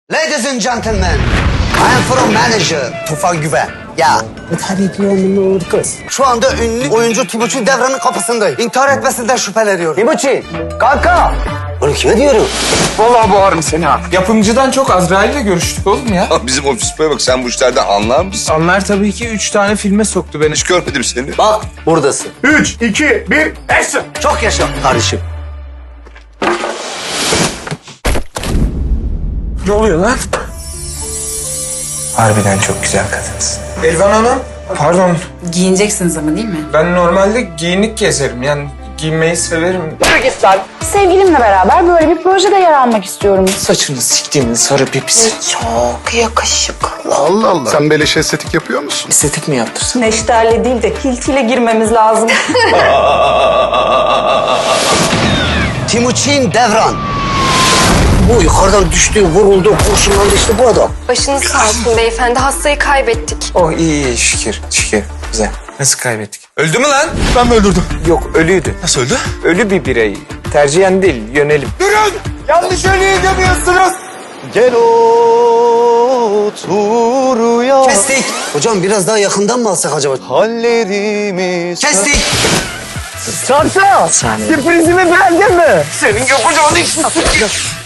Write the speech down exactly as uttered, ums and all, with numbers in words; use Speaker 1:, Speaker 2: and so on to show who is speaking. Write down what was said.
Speaker 1: Ladies and gentlemen, I am from manager Tufan Güven. Ya tabii ki onun kız. Şu anda ünlü oyuncu Timuçin Devran'ın kapısındayım. İntihar etmesinden şüpheleniyorum. Timuçin, kanka. Bunu kime diyorum?
Speaker 2: Vallahi boğarım seni ha. Yapımcıdan çok Azrail'le görüştük oğlum ya.
Speaker 3: Bizim ofis bey bak, sen bu işlerden anlar mısın?
Speaker 2: Anlar tabii ki üç tane filme soktu beni.
Speaker 3: Hiç görmedim seni.
Speaker 1: Bak buradasın.
Speaker 2: Üç, iki, bir, action!
Speaker 1: Çok yaşa kardeşim.
Speaker 2: Ne oluyor lan? Harbiden çok güzel kadınsın. Elvan Hanım, pardon.
Speaker 4: Giyineceksiniz ama değil mi?
Speaker 2: Ben normalde giyinik gezerim. Yani giyinmeyi severim.
Speaker 5: Sevgilimle beraber böyle bir projede yer almak istiyorum.
Speaker 2: Saçını siktiğinin sarı pipisi.
Speaker 4: Çok yakışıklı.
Speaker 6: Allah Allah. Sen beleş estetik yapıyor musun?
Speaker 2: Estetik mi yaptırsın?
Speaker 5: Neşterle değil de hiltiyle girmemiz lazım.
Speaker 1: Timuçin Devran. Bu yukarıdan düştü, vuruldu, kurşunlandı işte bu adam.
Speaker 7: Başınız sağ olsun beyefendi. Hastayı kaybettik.
Speaker 2: Oh iyi iyi şükür, şükür. Güzel. Nasıl kaybettik? Öldü mü lan? Ben mi öldürdüm? Yok ölüydü. Nasıl öldü? Ölü bir birey. Tercihen değil, yönelim. Durun! Yanlış ölüyü demiyorsunuz.
Speaker 6: Gel otur ya.
Speaker 1: Kestik. Hocam biraz daha yakından mı alsak acaba?
Speaker 6: Hallerimiz.
Speaker 1: Kestik.
Speaker 2: Sırprizimi beğendin mi? Senin yapacağın işin.